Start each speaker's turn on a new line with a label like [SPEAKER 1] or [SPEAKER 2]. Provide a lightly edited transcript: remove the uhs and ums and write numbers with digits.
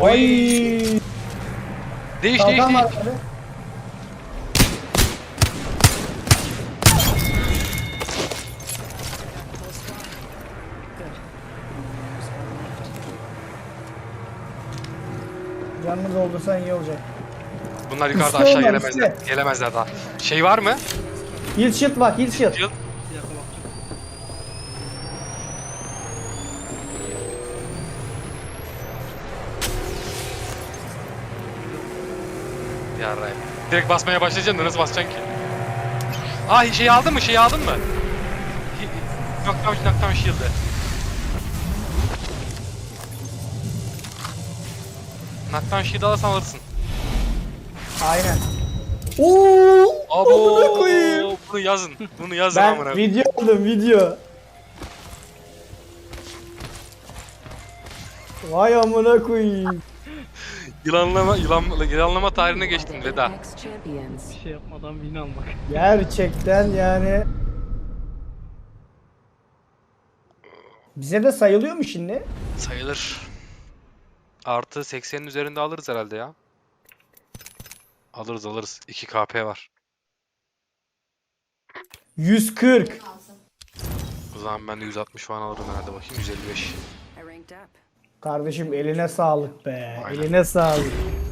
[SPEAKER 1] Ay.
[SPEAKER 2] Değiş.
[SPEAKER 1] Kalkan var abi. Canını doldursan iyi olacak.
[SPEAKER 2] Bunlar yukarıda
[SPEAKER 1] Üstte
[SPEAKER 2] aşağı
[SPEAKER 1] onlar,
[SPEAKER 2] gelemezler.
[SPEAKER 1] üstte.
[SPEAKER 2] Gelemezler daha. Şey var mı?
[SPEAKER 1] Heal shield bak, heal shield.
[SPEAKER 2] Yıl.
[SPEAKER 3] Bir dakika bak.
[SPEAKER 2] Yarrayım. Direkt basmaya başlayacaksın da nasıl basacaksın ki? Aa şeyi aldın mı? Şeyi aldın mı? Knockdown shield'ı. Knockdown shield'ı alırsan alırsın.
[SPEAKER 1] Aynen. Oo! Amına
[SPEAKER 2] Abo!
[SPEAKER 1] koyayım.
[SPEAKER 2] Bunu yazın. Bunu yazın
[SPEAKER 1] Ben
[SPEAKER 2] amına koyayım.
[SPEAKER 1] video aldım, video. Vay amına koyayım.
[SPEAKER 2] Yılanlama tarihine geçtin Veda.
[SPEAKER 3] Bir şey yapmadan win almak.
[SPEAKER 1] Gerçekten yani. Bize de sayılıyor mu şimdi?
[SPEAKER 2] Sayılır. Artı 80'in üzerinde alırız herhalde ya. Alırız. 2 KP var.
[SPEAKER 1] 140.
[SPEAKER 2] O zaman ben de 160 falan alırım herhalde, bakayım 155.
[SPEAKER 1] Kardeşim eline sağlık be.
[SPEAKER 2] Aynen.
[SPEAKER 1] Eline sağlık.